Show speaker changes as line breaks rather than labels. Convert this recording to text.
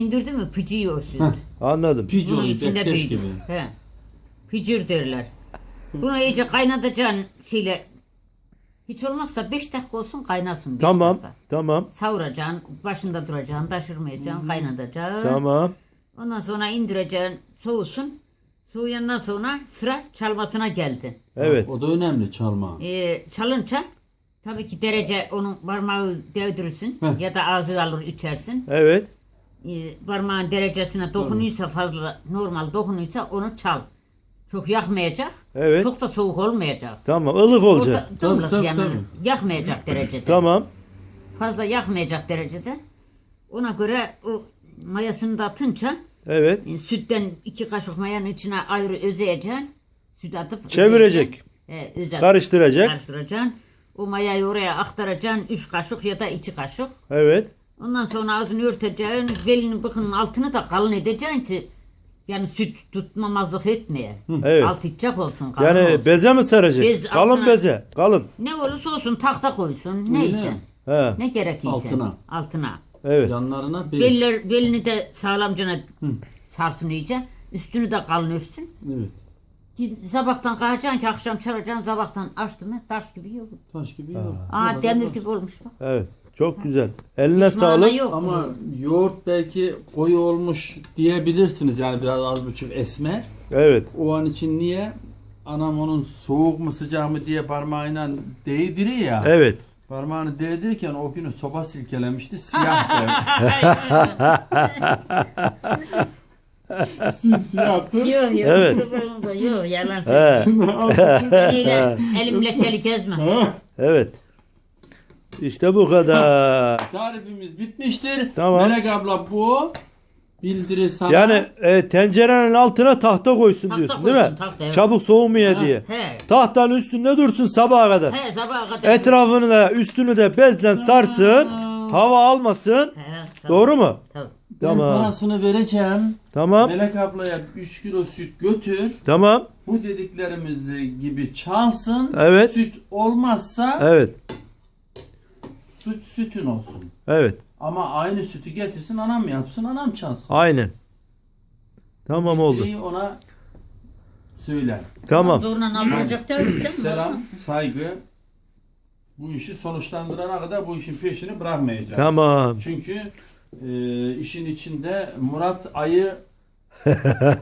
İndirdi mi pıcıyor o süt.
Anladım.
Pic
Bunun
oluyor,
içinde
bekleş
büyüdü.
gibi.
He. Pıcır derler. Bunu iyice kaynatacaksın şeyle. Hiç olmazsa 5 dakika olsun kaynasın. 5
Tamam.
dakika.
Tamam.
Savuracaksın, başında duracaksın, taşırmayacaksın, kaynatacaksın.
Tamam.
Ondan sonra indireceksin, soğusun. Soğuyandan sonra sıra çalmasına geldi.
Evet.
O da önemli çalma.
Çalınca tabii ki derece onun parmağı değdirirsin
Heh.
ya da ağzı alır içersin.
Evet.
Parmağın derecesine dokunuyorsa fazla normal dokunuyorsa onu çal. Çok yakmayacak.
Evet.
Çok da soğuk olmayacak.
Tamam. Ilık olacak.
Dımlık
Tabii,
yani
tabii.
yakmayacak derecede.
Tamam.
Fazla yakmayacak derecede. Ona göre o mayasını da atınca
Evet.
sütten 2 kaşık mayanın içine ayrı özeyeceksin. Süt atıp
Çevirecek. Karıştıracak.
Karıştıracaksın. O mayayı oraya aktaracaksın. 3 kaşık ya da 2 kaşık.
Evet.
Ondan sonra ağzını örteceksin. Belinin bıkının altını da kalın edeceksin ki yani süt tutmamazlık etmeye.
Evet.
Alt içecek olsun. Kalın
Yani
olsun.
beze mi saracak?
Bez
Kalın
altına-
beze. Kalın.
Ne olursa olsun tahta koysun. Ne
Öyle.
isen.
He.
Ne gerekirse.
Altına.
Altına.
Evet.
Yanlarına bez.
Belini de sağlamcana sarsın iyice. Üstünü de kalın örtsün.
Evet.
Sabahtan kalkacaksın ki akşam çalacaksın. Sabahtan açtı mı taş gibi yok.
Taş gibi yok.
Aa demir gibi olmuş bak.
Evet. Çok güzel. Eline
Hiç mana
sağlık.
yok.
Ama yoğurt belki koyu olmuş diyebilirsiniz, yani biraz az buçuk esmer.
Evet.
O an için niye? Anam onun soğuk mu sıcak mı diye parmağıyla değdiriyor ya.
Evet.
Parmağını değdirirken o günü soba silkelemişti, siyah Simsiyahtı.
Yok yok.
Evet.
Yok yalan.
He.
Eliyle, elimle teli gezme.
Evet. İşte bu kadar.
Tarifimiz bitmiştir.
Tamam.
Melek abla bu bildiri sana.
Yani tencerenin altına tahta koysun
Tahta
diyorsun değil mi?
koysun, tahta, evet.
Çabuk soğumaya diye.
He.
Tahtanın üstünde dursun sabaha kadar.
He sabaha kadar.
Etrafını da üstünü de bezle sarsın. Hava almasın.
He, tabii,
Doğru mu?
tabii.
Ben
Tamam.
parasını vereceğim.
Tamam.
Melek ablaya 3 kilo süt götür.
Tamam.
Bu dediklerimiz gibi çalsın.
Evet.
Süt olmazsa
Evet.
sütün olsun.
Evet.
Ama aynı sütü getirsin, anam yapsın, anam çalsın.
Aynen. Tamam oldu.
Dileği ona söyle.
Tamam.
Zorla alınacak da öyle değil mi?
Selam, saygı. Bu işi sonuçlandırana kadar bu işin peşini bırakmayacağız.
Tamam.
Çünkü işin içinde Murat ayı